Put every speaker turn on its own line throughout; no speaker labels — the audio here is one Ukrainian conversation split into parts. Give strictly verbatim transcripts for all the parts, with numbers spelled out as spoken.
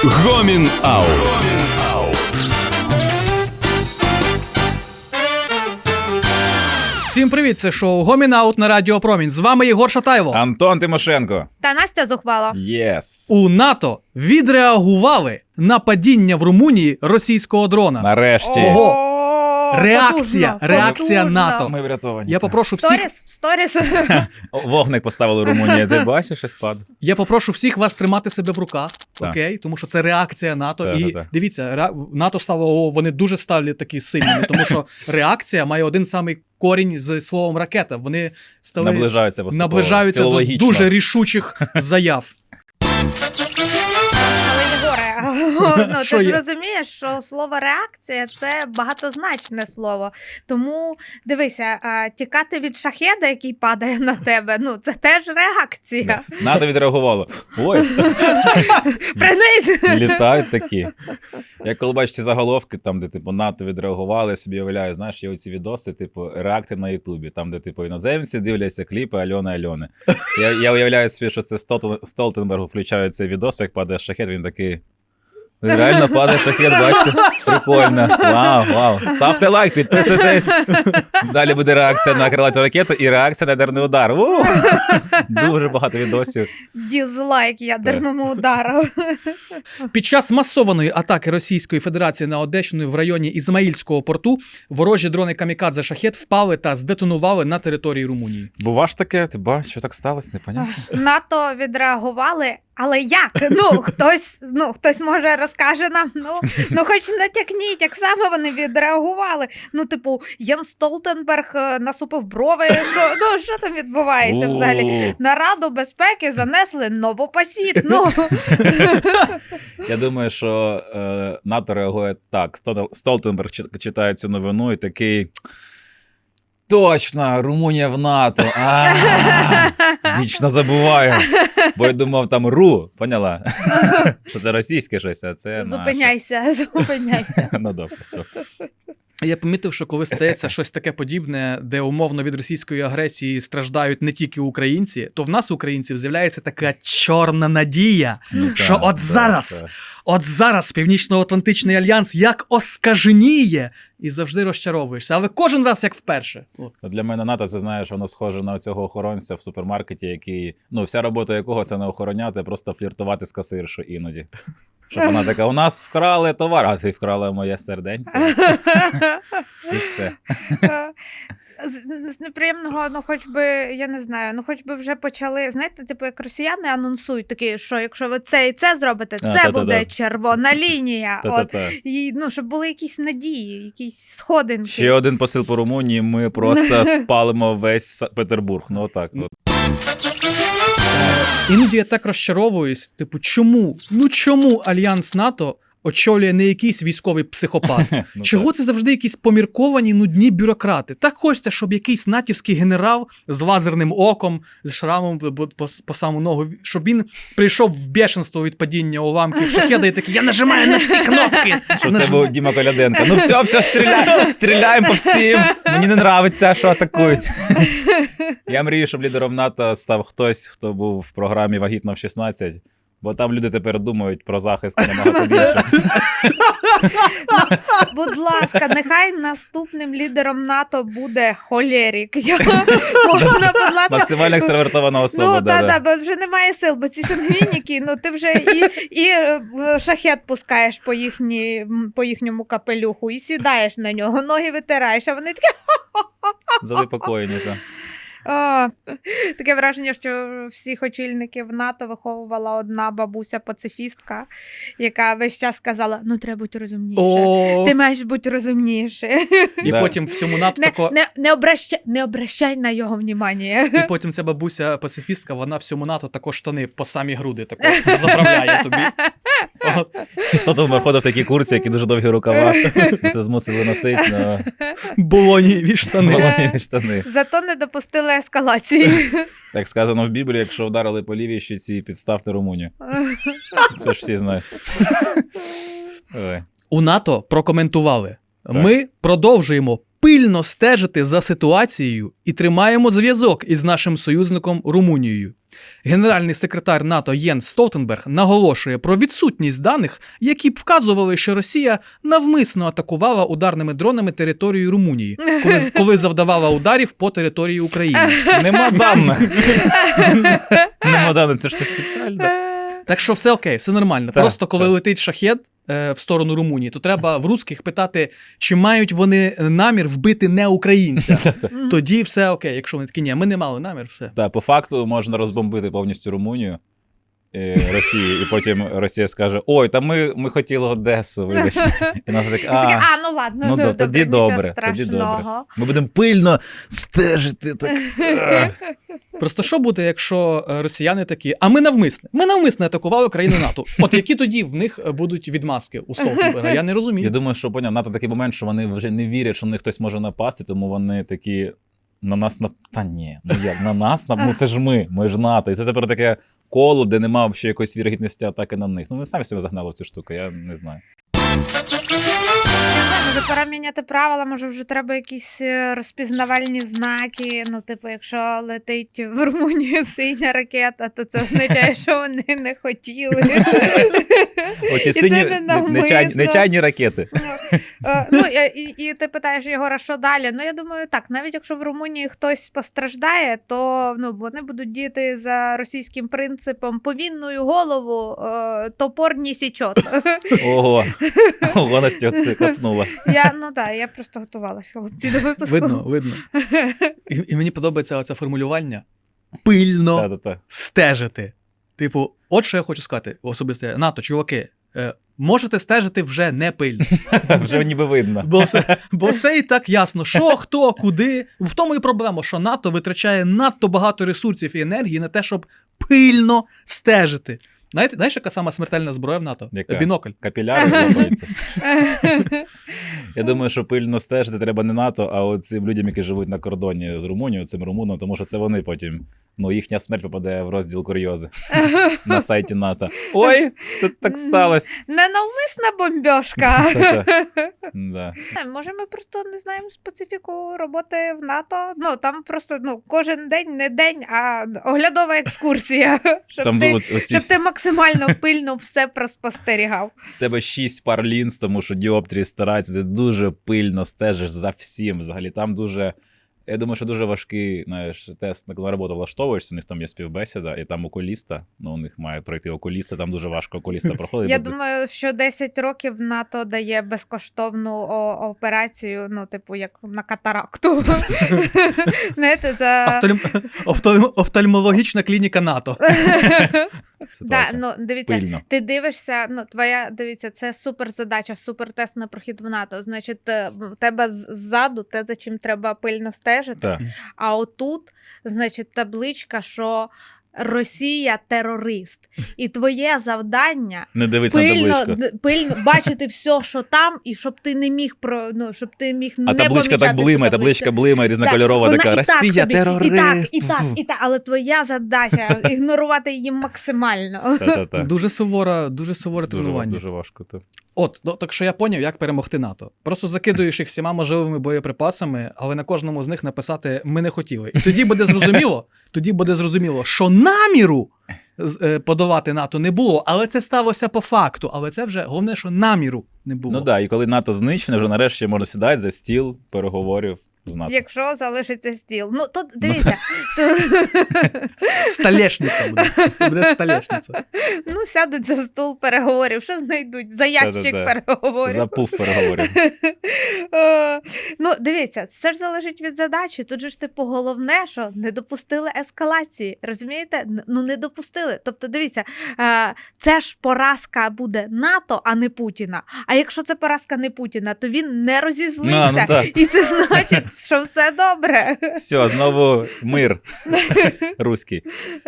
Гомін Аут.
Всім привіт, це шоу Гомін Аут на Радіо Промінь. З вами Єгор Шатайло.
Антон Тимошенко.
Та Настя Зухвала.
Єс.
У НАТО відреагували на падіння в Румунії російського дрона.
Нарешті.
Ого. Реакція,
Потужно,
реакція
потужно.
НАТО.
Ми врятовані.
Я попрошу всіх,
Сторіс, сторіс.
Вогник поставили в Румунії. Ти бачиш, і спад.
я попрошу всіх вас тримати себе в руках,
Так.
окей? Тому що це реакція НАТО.
Так,
І
так, так.
дивіться, ре- НАТО стало, о, вони дуже стали такі сильними, тому що реакція має один самий корінь з словом ракета. Вони стали
Наближаються поступово.
наближаються до
Філологічно.
дуже рішучих заяв.
Але Єгоре, ну,
Що
ти ж
є?
розумієш, що слово реакція – це багатозначне слово. Тому, дивися, а, тікати від шахеда, який падає на тебе, ну, це теж реакція.
НАТО відреагувало. Ой,
Принись!
літають такі. Я коли бачу ці заголовки, там, де типу НАТО відреагували, я собі уявляю, знаєш, є оці відоси, типу, реакти на Ютубі, там, де типу іноземці дивляться кліпи Альони Альони. Я, я уявляю собі, що це Столтен- Столтенберг включає цей відос, як падає шахет, він такий. Реально падає шахет, бачите? Прикольно. Вау, вау. Ставте лайк, підписуйтесь. Далі буде реакція на крилату ракету і реакція на ядерний удар. У! Дуже багато відосів.
Дізлайк ядерному удару.
Під час масованої атаки Російської Федерації на Одещину в районі Ізмаїльського порту ворожі дрони камікадзе «Шахет» впали та здетонували на території Румунії.
Бува ж таке, ти бачиш, що так сталося, непонятно.
НАТО відреагували, але як? Ну, хтось, ну, хтось може розкаже нам, ну, ну хоч натякніть, як саме вони відреагували. Ну, типу, Ян Столтенберг е, насупив брови, що, ну, що там відбувається взагалі?
У.
На Раду безпеки занесли новопосід, ну.
Я думаю, що е, НАТО реагує так. Стол- Столтенберг чи- читає цю новину і такий. Точно, Румунія в НАТО. А, вічно забуваю. Бо я думав, там РУ, поняла? Що це російське щось, а це наше.
Зупиняйся, зупиняйся.
Ну, добре, добре.
Я помітив, що коли стається щось таке подібне, де умовно від російської агресії страждають не тільки українці, то в нас, українців, з'являється така чорна надія,
Ну,
що
так,
от
так,
зараз,
так.
от зараз Північно-Атлантичний альянс як оскаженіє і завжди розчаровуєшся. Але кожен раз як вперше. От.
Ну, для мене НАТО, це, знаєш, воно схоже на цього охоронця в супермаркеті, який, ну, вся робота якого це не охороняти, а просто фліртувати з касиршою іноді. Щоб вона така, у нас вкрали товар, а ти вкрала моє серденько. І все.
З, з неприємного, ну хоч би, я не знаю, ну хоч би вже почали, знаєте, типу, як росіяни анонсують такі, що якщо ви це і це зробите,
А,
це
та-та-та.
буде червона лінія. От,
Та-та-та.
і, ну, щоб були якісь надії, якісь сходинки.
Ще один посил по Румунії, ми просто спалимо весь Са- Петербург. Ну отак. От.
Іноді я так розчаровуюсь, типу, чому? Ну чому Альянс НАТО очолює не якийсь військовий психопат?
Ну,
Чого
так.
це завжди якісь помірковані, нудні бюрократи? Так хочеться, щоб якийсь натівський генерал з лазерним оком, з шрамом по, по, по саму ногу, щоб він прийшов в бешенство від падіння уламків шахеда і такий, я нажимаю на всі кнопки.
Що це був Діма Коляденко. Ну все, все, стріляємо, стріляємо по всім. Мені не нравиться, що атакують. Я мрію, щоб лідером НАТО став хтось, хто був в програмі «Вагітна в шістнадцять». Бо там люди тепер думають про захист набагато більше.
Будь ласка, нехай наступним лідером НАТО буде холерік. Можна, будь ласка.
Максимально екстравертована особа.
Ну,
да,
так,
да.
так, бо вже немає сил, бо ці сангвініки, ну ти вже і, і е, шахет пускаєш по, їхні, м, по їхньому капелюху, і сідаєш на нього, ноги витираєш, а вони такі.
Занепокоєні. Та.
О, таке враження, що всіх очільників НАТО виховувала одна бабуся-пацифістка, яка весь час казала, ну треба бути розумніше.
О,
Ти маєш бути розумніше.
і
Да.
потім всьому НАТО
Не,
тако...
не, не, обращай, не обращай на його внимання.
І потім ця бабуся-пацифістка, вона всьому НАТО також штани по самі груди тако заправляє тобі. От.
Хто там виходив в такі курці, які дуже довгі рукава. Це змусили носити на
Болоніві штани.
волоні штани.
Зато не допустили ескалації.
Як сказано в Біблії, якщо вдарили по лівій щоці, підставте Румунію. Це ж всі знають. Ой.
У НАТО прокоментували. Ми продовжуємо пильно стежити за ситуацією і тримаємо зв'язок із нашим союзником Румунією. Генеральний секретар НАТО Єнс Столтенберг наголошує про відсутність даних, які б вказували, що Росія навмисно атакувала ударними дронами територію Румунії, коли, коли завдавала ударів по території України.
Нема даних. Нема даних, це ж не спеціально.
Так що все окей, все нормально.
Так,
Просто коли
так.
летить шахет е, в сторону Румунії, то треба в русських питати, чи мають вони намір вбити не українця. Тоді все окей. Якщо вони такі, ні, ми не мали намір, все.
Так, по факту можна розбомбити повністю Румунію, е, Росії, і потім Росія скаже: ой, та ми, ми хотіли Одесу, вибачте. І вона так,
Всі такі,
а,
а, ну ладно,
ну,
добре,
да, тоді
нічого
добре, тоді добре.
страшного.
Ми будемо пильно стежити. Так.
Просто що буде, якщо е, росіяни такі, а ми навмисне, ми навмисне атакували країни НАТО. От які тоді в них будуть відмазки у Столтенберга? Я не розумію.
Я думаю, що поняв, НАТО такий момент, що вони вже не вірять, що на них хтось може напасти, тому вони такі на нас на. Та ні, ну як на нас на ну це ж ми, ми ж НАТО. І це тепер таке коло, де немає ще якоїсь вірогідності атаки на них. Ну вони самі себе загнали в цю штуку, я не знаю.
Може, пора міняти правила, може вже треба якісь е, розпізнавальні знаки. Ну, типу, якщо летить в Румунію синя ракета, то це означає, що вони не хотіли.
Оці
І це
сині
не
нечайні,
навмисно.
нечайні ракети.
Е, Ну, і, і, і ти питаєш Єгора, що далі? Ну, я думаю, так, навіть якщо в Румунії хтось постраждає, то ну, вони будуть діяти за російським принципом повінною голову, е, топор не січот.
Ого, ого, Настя, ти копнула.
Я, ну так, я просто готувалася, хлопці, до випуску.
Видно, видно. І, і мені подобається оце формулювання. Пильно
Та-та-та.
стежити. Типу, от що я хочу сказати, особисто НАТО, чуваки, е, можете стежити вже не пильно.
Вже ніби видно.
Бо все, бо все і так ясно, що, хто, куди. В тому і проблема, що НАТО витрачає надто багато ресурсів і енергії на те, щоб пильно стежити. Знаєте, знаєш, яка сама смертельна зброя в НАТО?
Яка?
Бінокль.
Капіляри лопаються. Я думаю, що пильно стежити треба не НАТО, а от цим людям, які живуть на кордоні з Румунією, цим румунам, тому що це вони потім, ну, їхня смерть попаде в розділ курйози на сайті НАТО. Ой, тут так сталося.
Ненавмисна бомбьошка.
Та-та. Да.
Може, ми просто не знаємо специфіку роботи в НАТО. Ну, там просто ну, кожен день не день, а оглядова екскурсія. Щоб,
Там
ти,
оці
щоб
всі-
ти максимально пильно все проспостерігав.
В тебе шість пар лінз, тому що діоптрії стараються, ти дуже пильно стежиш за всім. Взагалі там дуже, я думаю, що дуже важкий, знаєш, тест на роботу влаштовуєшся, у них там є співбесіда, і там окуліста, ну у них має пройти окуліста, там дуже важко окуліста проходить.
Я
бо ти-
думаю, що десять років НАТО дає безкоштовну о- операцію, ну, типу, як на катаракту. Знаєте, за...
Офтальм- офтальм- Офтальмологічна клініка НАТО.
Да,
Ситуація.
ну, дивіться,
Пильно.
ти дивишся, ну, твоя, дивіться, це супер задача, супер тест на прохід в НАТО. Значить, е, в тебе з- ззаду те, за чим треба пильно стежити.
Так.
А отут, значить, табличка, що Росія терорист. І твоє завдання
Не дивись на
пильно,
табличку.
д- пильно бачити все, що там, і щоб ти не міг про, ну, щоб ти міг не
А табличка
помічати
так блимає,
цю
табличка
табличку.
блимає, різнокольорова
Вона
така.
і так
Росія
собі,
терорист.
І так, і так, і так, але твоя задача ігнорувати її максимально.
Та-та-та.
Дуже сувора, дуже суворе
Дуже, ва-
тренування.
дуже важко. Та.
От, ну, так що я поняв, як перемогти НАТО. Просто закидуєш їх всіма можливими боєприпасами, але на кожному з них написати «ми не хотіли». І тоді буде зрозуміло, тоді буде зрозуміло, що наміру з- е, подолати НАТО не було, але це сталося по факту. Але це вже головне, що наміру не було.
Ну так, да, і коли НАТО знищене, вже нарешті можна сідати за стіл переговорів з НАТО.
Якщо залишиться стіл. Ну, то дивіться, то,
Столешниця буде. Буде столешниця.
ну, сядуть за стол переговорів, що знайдуть? За ящик
Та-та-та.
переговорів.
Запув переговорів.
Е, Ну, дивіться, все ж залежить від задачі. Тут же ж, типу, головне, що не допустили ескалації. Розумієте? Н- Ну, не допустили. Тобто, дивіться, е, це ж поразка буде НАТО, а не Путіна. А якщо це поразка не Путіна, то він не розізлився.
Ну, ну, так.
І це значить, що все добре.
Все, знову мир руський.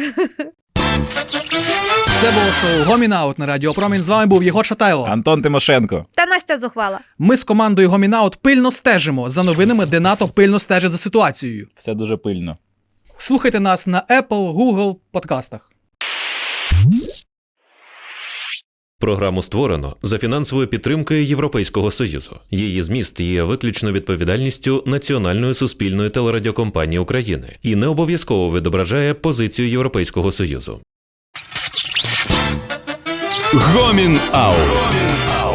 Це було шоу Гомінаут на Радіо Промінь. З вами був Єгор Шатайло.
Антон Тимошенко.
Та Настя зухвала.
Ми з командою Гомінаут пильно стежимо за новинами, де НАТО пильно стежить за ситуацією.
Все дуже пильно.
Слухайте нас на Apple, Google подкастах.
програму створено за фінансовою підтримкою Європейського Союзу. Її зміст є виключно відповідальністю Національної суспільної телерадіокомпанії України і не обов'язково відображає позицію Європейського Союзу.
Гомін Аут.